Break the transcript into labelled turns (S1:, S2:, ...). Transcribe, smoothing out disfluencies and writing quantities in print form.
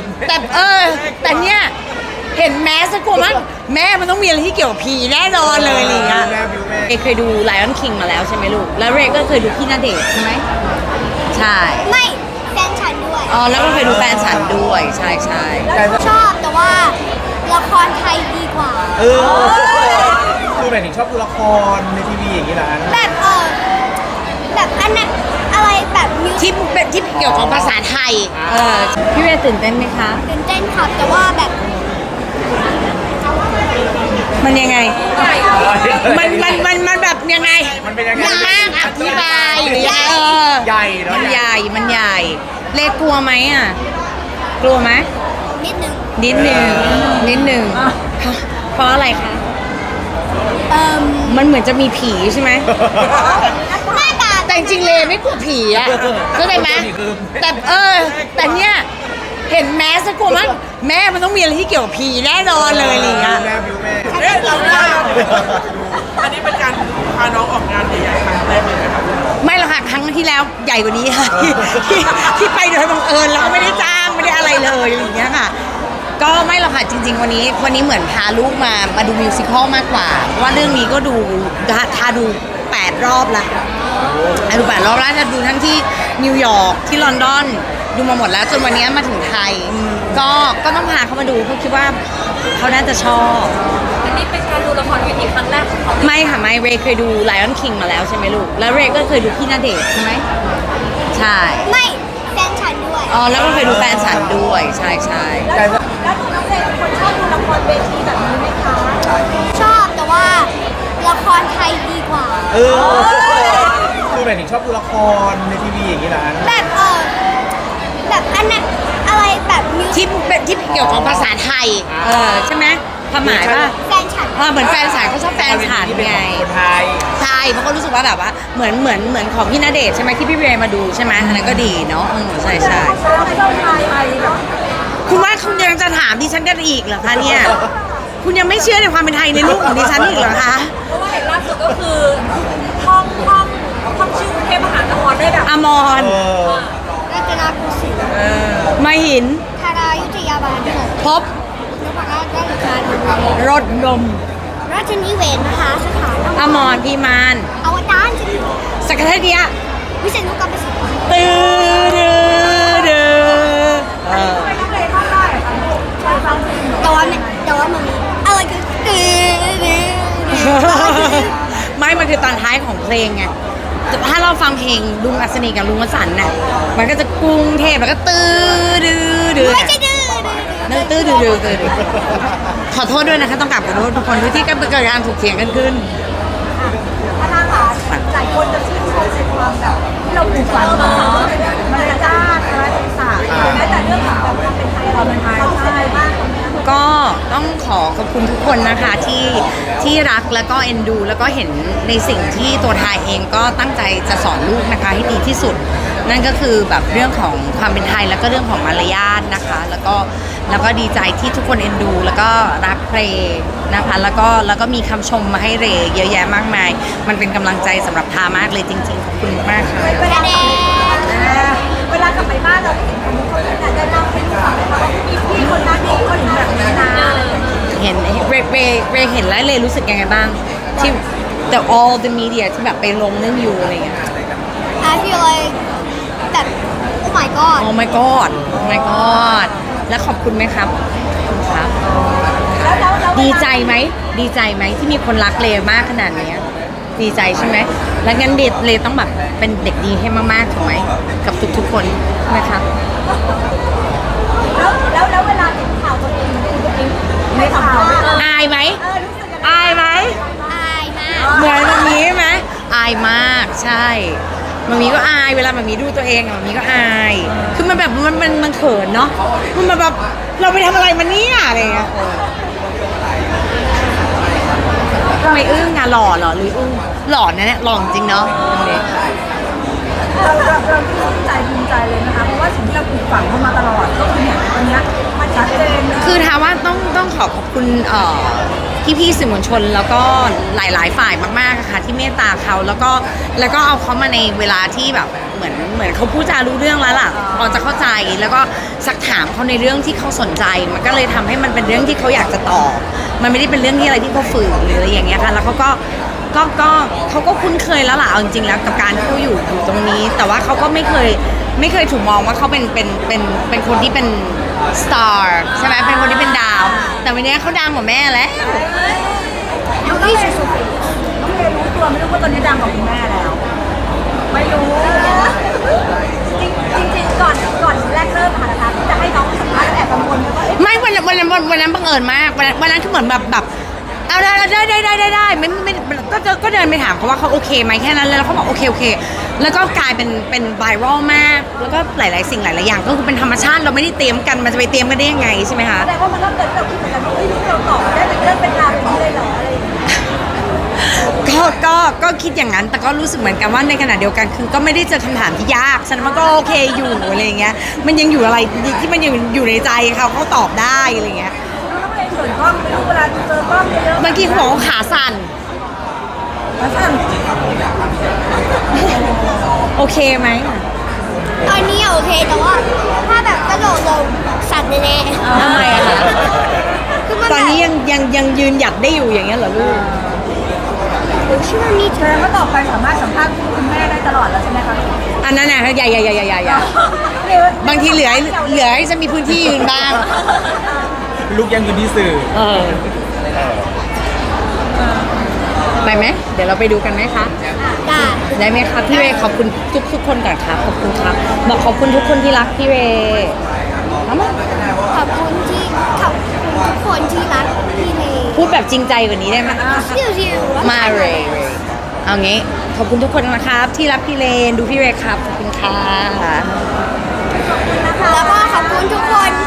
S1: แต่แต่เนี่ยเห็นแมสกลัวมั้งแม่มันต้องมีอะไรที่เกี่ยวกับผีแน่นอนเลยอะไรอย่างเงี้ยเรย์เคยดู Lion King มาแล้วใช่ไหมลูกแล้วเรย์ก็เคยดูพี่ณเดชน์ใช่ไหมใช่
S2: ไม่แฟนฉันด้วย
S1: อ๋อแล้วก็เคยดูแฟนฉันด้วยใช่ใช่
S2: ชอบแต่ว่าละครไทยดีกว่า
S3: คือหมายถึงชอบดูละครในทีวีอย่างนี้เหรอ
S2: แบบแบบอันนั้นอะไรแบบ
S1: ที่เกี่ยวกับภาษาไทยพี่เรย์ตื่นเต้นไหมคะ
S2: ตื่นเต้นครับแต่ว่าแบบ
S1: มันยังไงมันแบบยังไง
S3: มันเป็นยังไง
S1: ยากอธิบายหรือยังไง
S3: ใหญ่เนาะ
S1: มันใหญ่เลกลัวไหมอ่ะกลัวไหม
S2: นิดนึ
S1: งเพราะอะไรคะมันเหมือนจะมีผีใช่ไหมแต่จริงๆเลไม่กลัวผีอ่ะเข้าใจไหมแต่เนี่ยเห็นแมสกลัวมั้งแม่มันต้องมีอะไรที่เกี่ยวกับผีแน่นอนเลยอะไรอย่างเงี้ย
S3: อันนี้เป็นการพาน้องออกงานใหญ่ๆครั้งแรกเลยนะครับ
S1: ไม่หรอกค่ะครั้งที่แล้วใหญ่กว่านี้ค่ะที่ไปโดยบังเอิญแล้วก็ไม่ได้จ้างไม่ได้อะไรเลยอย่างเงี้ยค่ะก็ไม่หรอกค่ะจริงๆวันนี้เหมือนพาลูกมาดูมิวสิคอลมากกว่าว่าเรื่องนี้ก็ดูดู8 รอบละดู8 รอบแล้วจะดูทั้งที่นิวยอร์กที่ลอนดอนดูมาหมดแล้วจนวันนี้มาถึงไทยก็ต้องพาเขามาดูเพราะคิดว่าเขาน่าจะชอบ
S4: อันนี้เป็นการดูละครเวทีครั้งแรกของเขา
S1: ไม่ค่ะไม่เรย์เคยดู Lion King มาแล้วใช่ไหมลูกแล้วเรย์ก็เคยดูพี่ณเดชน์ใช่ไหมใช่
S2: ไม่แฟนฉันด้วย
S1: อ๋อแล้วก็เคยดูแฟนฉันด้วยใช่
S4: แล้วน้องเรย์เป็นคนชอบดูละครเวทีแบบนี้ไหมคะ
S2: ชอบแต่ว่าละครไทยดีกว่า
S3: คือหมายถึงชอบดูละครในทีวีอย่างนี้เหรอ
S2: แบบแบบอันนั้นอะไรแบบ
S1: ที่เกี่ยวกับภาษาไทยใช่ไหมความหมายว่า
S2: แฟนฉัน
S1: เหมือนแฟนฉันเขาชอบแฟนฉันไง
S3: คนไทย
S1: ใช่เพราะเขารู้สึกว่าแบบว่าเหมือนของพี่ณเดชน์ใช่ไหมที่พี่เรย์มาดูใช่ไหมอันนั้นก็ดีเนาะใช่คุณว่าคุณยังจะถามดิฉันกันอีกเหรอคะเนี่ยคุณยังไม่เชื่อในความเป็นไทยในลูกของดิฉันอีกเหรอคะ
S4: เพราะว่าเห็นล่าสุดก็คือท่องชื่อกรุงเทพมหานครได้แบบ
S1: อมร
S2: รัตนโกสินทร์
S1: มหิน
S2: ธารายุทธยาบาล
S1: พบ
S2: นพรัตน์ราชการ
S1: รถลม
S2: ราชนิเวศมหาสถาน
S1: อมรพิมาน
S2: อวตาร
S1: สักเทเดีย
S2: วิเศษนุกรรมสิทธิ์
S1: ตื้อ
S2: แต่ว่ามันมีอะไรคือ
S1: ไม่มันคือตอนท้ายของเพลงไงถ้าเราฟังเพลงลุงอัศนีกับลุงวสันต์น่ะมันก็จะกรุงเทพแล้วก็
S2: ไม่ใช่
S1: ขอโทษด้วยนะคะต้องกราบขอโทษทุกคนที่เกิดการถกเถียงกันขึ้น
S4: ท่านคะหลายคนจะชื่นชมในความแบบที่เราปลูกฝังมามันจะจ้าอะไรต่างๆแม้แต่เรื่องของความเป็นไทยเราเป็นไทยใช่มาก
S1: ก็ต้องขอบคุณทุกคนนะคะที่รักแล้วก็เอ็นดูแล้วก็เห็นในสิ่งที่ตัวทายเองก็ตั้งใจจะสอนลูกนะคะให้ดีที่สุดนั่นก็คือแบบเรื่องของความเป็นไทยแล้วก็เรื่องของมารยาทนะคะแล้วก็ดีใจที่ทุกคนเอ็นดูแล้วก็รักเรย์นะคะแล้วก็มีคำชมมาให้เรย์เยอะแยะมากมายมันเป็นกำลังใจสำหรับทามากเลยจริงๆขอบคุณมากค่ะ
S4: เวลากลับไปบ้านเราเห็นคนนี้ได้เล่าให้ลูกฟังไหมคะว่ามีพี่คนนั้นมีคนนี้แบบนี้นะ
S1: เห็นเรย์เห็นแล้วเลยรู้สึกยังไงบ้างที่ all the media ที่แบบไปลงเรื่องยูอะไรอย่างเงี้ย
S2: I feel like แบบ oh my god
S1: oh my god oh my god แล้วขอบคุณไหมครับครับดีใจไหมที่มีคนรักเลมากขนาดนี้ดีใจใช่ไหมแล้วงั้นเลต้องแบบเป็นเด็กดีให้มากๆถูกไหมกับทุกๆคนนะครับ
S4: แล้วเวลาเห็นข่าวตัวเองในข่าว
S1: อายไหม
S2: อายมาก
S1: เหมือนแบบนี้ไหมอายมากใช่มันมีก็อายเวลามันมีดูตัวเองมันมีก็อายคือมันแบบมันเขินเนาะมันแบบเราไปทำอะไรมันเนี่ยอะไรเงี้ยทำไมอึ้งอะหล่อเหรอหรืออึ้งหล่อนะเนี่ยหล่อจริงเนาะ
S4: เราภูมิใจเลยนะคะเพราะว่าสิ่งที่เราปลูกฝังเข้ามาตลอดก็คือเนี่ยวันนี้มันชัดเจน
S1: คือถามว่าต้องขอบคุณพี่ๆสื่อมวลชนแล้วก็หลายๆฝ่ายมากๆอะค่ะที่เมตตาเขาแล้วก็เอาเขามาในเวลาที่แบบเหมือนเขาพูดจารู้เรื่องแล้วล่ะพอจะเข้าใจแล้วก็สักถามเขาในเรื่องที่เขาสนใจมันก็เลยทำให้มันเป็นเรื่องที่เขาอยากจะตอบมันไม่ได้เป็นเรื่องที่อะไรที่เขาฝืนหรืออะไรอย่างเงี้ยค่ะแล้วเขาก็เขาก็คุ้นเคยแล้วล่ะเอาจริงๆแล้วกับการที่เขาอยู่ตรงนี้ แต่ว่าเขาก็ไม่เคยถูกมองว่าเขาเป็นคนที่เป็นสตาร์ใช่ไหมเป็นคนที่เป็นดาว แต่วันนี้เขาดังกว่าแม่แล้ว
S2: ยูริสุสุ
S4: พี่เอรู้ตัวไม่รู้ว่าตอนนี้ดังกว่าคุณแม่แล้ว ไม่รู้ จริงๆก่อนแรกเริ่มค่ะนะคะที่จะให้น้องสัมภาษณ์แล้วแอบกังวลว่า
S1: ไม่วันนั้นบังเอิญมากวันนั้นคือเหมือนแบบเอาได้ก็เดินไปถามเขาว่าเขาโอเคไหมแค่นั้นเลยแล้วเขาบอกโอเคแล้วก็กลายเป็นไวรัลมากแล้วก็หลายๆสิ่งหลายๆอย่างก็คือเป็นธรรมชาติเราไม่ได้เตรียมกันมันจะไปเตรียมกันได้ยังไงใช่ไหมคะ
S4: แสดงว่ามันก็เกิดแบบคิดเหมือนกันว่าเฮ้ยลูกเราตอบได้เป็นเรื่องเป็นราวอย่างนี้เลยเหรออะไรอย่างเงี้ย
S1: ก็คิดอย่างนั้นแต่ก็รู้สึกเหมือนกันว่าในขณะเดียวกันคือก็ไม่ได้เจอคำถามที่ยากฉะนั้นมันก็โอเคอยู่อะไรอย่างเงี้ยมันยังอยู่อะไรที่มันยังอยู่ในใจเขาตอบได้อะไรอย่างเงี้ย
S4: แล้วก็เลยส่วนกล้องไม่รู้เวลาเจอกล้องเยอะๆ
S1: เมื่อกี้เขาบอกว่าขาสั่น
S4: แล้วสั่น
S1: โอเคไหม
S2: ตอนนี้โอเคแต่ว่าถ้าแบบกระโดดลงสั่นแน่ๆ
S1: ทำไมอะคะ
S2: คือมัน
S1: ตอนนี้ยังยืนหยัดได้อยู่อย่างเงี้ยเหรอลูก
S2: ชื่อนี้
S4: แสดงว่าต่อไปสามารถสัมภาษณ์คุณแม่ได้ตลอดแล้วใช่ไหมคะ
S1: อันนั้นน่ะอย่าบางทีเหลือให้จะมีพื้นที่ยืนบ้าง
S3: ลูกยังอยู่ที่สื่อ
S1: ไปไหมเดี๋ยวเราไปดูกันไหมคะ
S2: ได้
S1: ได้ไหมคะพี่เวย์ขอบคุณทุกคนก่อนครับขอบคุณครับบอกขอบคุณทุกคนที่รักพี่เวย์เอามา
S2: ขอบคุณทุกคนที่รักพี่เมย์
S1: พูดแบบจริงใจกว่านี้ได้ไหม
S2: ชิวๆ
S1: มาเรย์เอางี้ขอบคุณทุกคนนะครับที่รักพี่เลนดูพี่เวย์ครับขอบคุณค่ะ
S2: แล้วก็ขอบคุณทุกคน